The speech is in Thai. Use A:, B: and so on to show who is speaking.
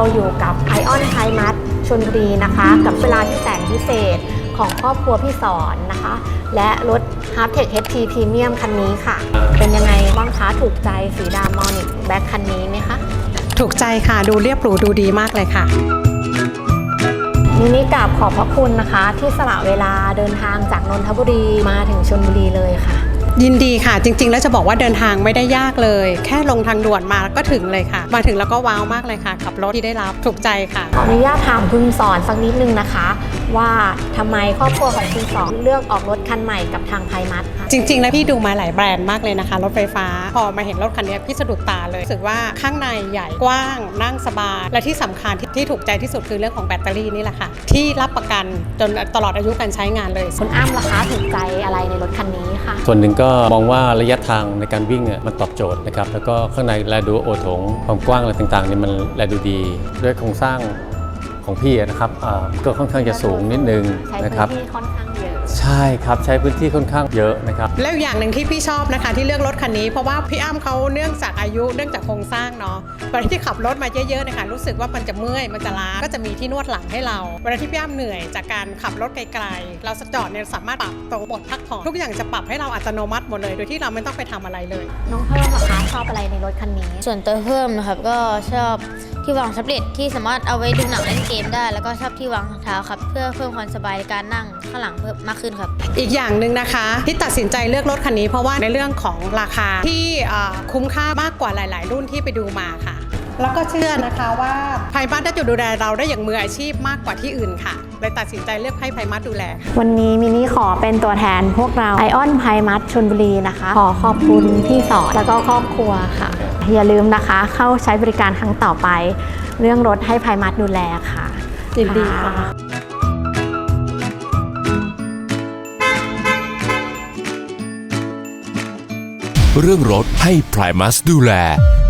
A: อยู่กับไอออนไทมัสชลบุรีนะคะกับเวลาที่แสนพิเศษของครอบครัวพี่สอนนะคะและรถ Hardtech HT Premium คันนี้ค่ะเป็นยังไงบ้างคะถูกใจสีดำ Monic Black คันนี้ไหมคะ
B: ถูกใจค่ะดูเรียบหรูดูดีมากเลยค่ะ
A: มินิกราบขอบพระคุณนะคะที่สละเวลาเดินทางจากนนทบุรีมาถึงชลบุรีเลยค่ะ
B: ยินดีค่ะจริงๆแล้วจะบอกว่าเดินทางไม่ได้ยากเลยแค่ลงทางด่วนมาก็ถึงเลยค่ะมาถึงแล้วก็ว้าวมากเลยค่ะกับรถที่ได้รับถูกใจค่ะ
A: ขออนุญาตถามคุณสอนสักนิดนึงนะคะว่าทำไมครอบครัวของคุณสอนเลือกออกรถคันใหม่กับทางไพมัสคะ
B: จริงๆแล้วพี่ดูมาหลายแบรนด์มากเลยนะคะรถไฟฟ้าพอมาเห็นรถคันนี้พี่สะดุดตาเลยรู้สึกว่าข้างในใหญ่กว้างนั่งสบายและที่สำคัญที่ถูกใจที่สุดคือเรื่องของแบตเตอรี่นี่แหละค่ะที่รับประกันจนตลอดอายุการใช้งานเลย
A: คุณอ้ำล่ะคะถูกใจอะไรในรถคันนี้ค่ะ
C: ส่วนหนึ่งก็มองว่าระยะทางในการวิ่งมันตอบโจทย์นะครับแล้วก็ข้างในแลดูโอโถงความกว้างอะไรต่างๆนี่มันแลดูดีด้วยโครงสร้างของพี่นะครับก็ค่อนข้างจะสูงนิดนึงนะครับ
A: ใช้พื้นที่ค่อนข้างเยอะ
C: ใช่ครับใช้พื้นที่ค่อนข้างเยอะนะครับ
B: แล้วอย่างหนึ่งที่พี่ชอบนะคะที่เลือกรถคันนี้เพราะว่าพี่อ้ำเขาเนื่องจากอายุเนื่องจากโครงสร้างเนาะเวลาที่ขับรถมาเยอะๆนะคะรู้สึกว่ามันจะเมื่อยมันจะล้าก็จะมีที่นวดหลังให้เราเวลาที่พี่อ้ำเหนื่อยจากการขับรถไกลๆเราจอดเนี่ยสามารถปรับตัวบทพักผ่อนทุกอย่างจะปรับให้เราอัตโนมัติหมดเลยโดยที่เราไม่ต้องไปทำอะไรเลย
A: น้องเพิ่มล่ะคะชอบอะไรในรถคันนี้
D: ส่วนตัวเพิ่มนะครับก็ชอบที่วางแท็บเล็ตที่สามารถเอาไว้ดูหนังเล่นเกมได้แล้วก็ชอบที่วางเท้าครับเพื่อเพิ่มความสบายในการนั่งข้างหลังเพิ่มมากขึ้นครับ
B: อีกอย่างหนึ่งนะคะที่ตัดสินใจเลือกรถคันนี้เพราะว่าในเรื่องของราคาที่คุ้มค่ามากกว่าหลายๆรุ่นที่ไปดูมาค่ะแล้วก็เชื่อนะคะว่าไพมัสได้จะดูแลเราได้อย่างมืออาชีพมากกว่าที่อื่นค่ะเลยตัดสินใจเลือกให้ไพมัสดูแล
A: วันนี้มินี่ขอเป็นตัวแทนพวกเราไอออนไพมัสชลบุรีนะคะขอขอบคุณพี่สอนแล้วก็ครอบครัวค่ะอย่าลืมนะคะเข้าใช้บริการครั้งต่อไปเรื่องรถให้ไพมัสดูแลค่ะ
B: ยินดีค่ะ
E: เรื่องรถให้ไพมัสดูแล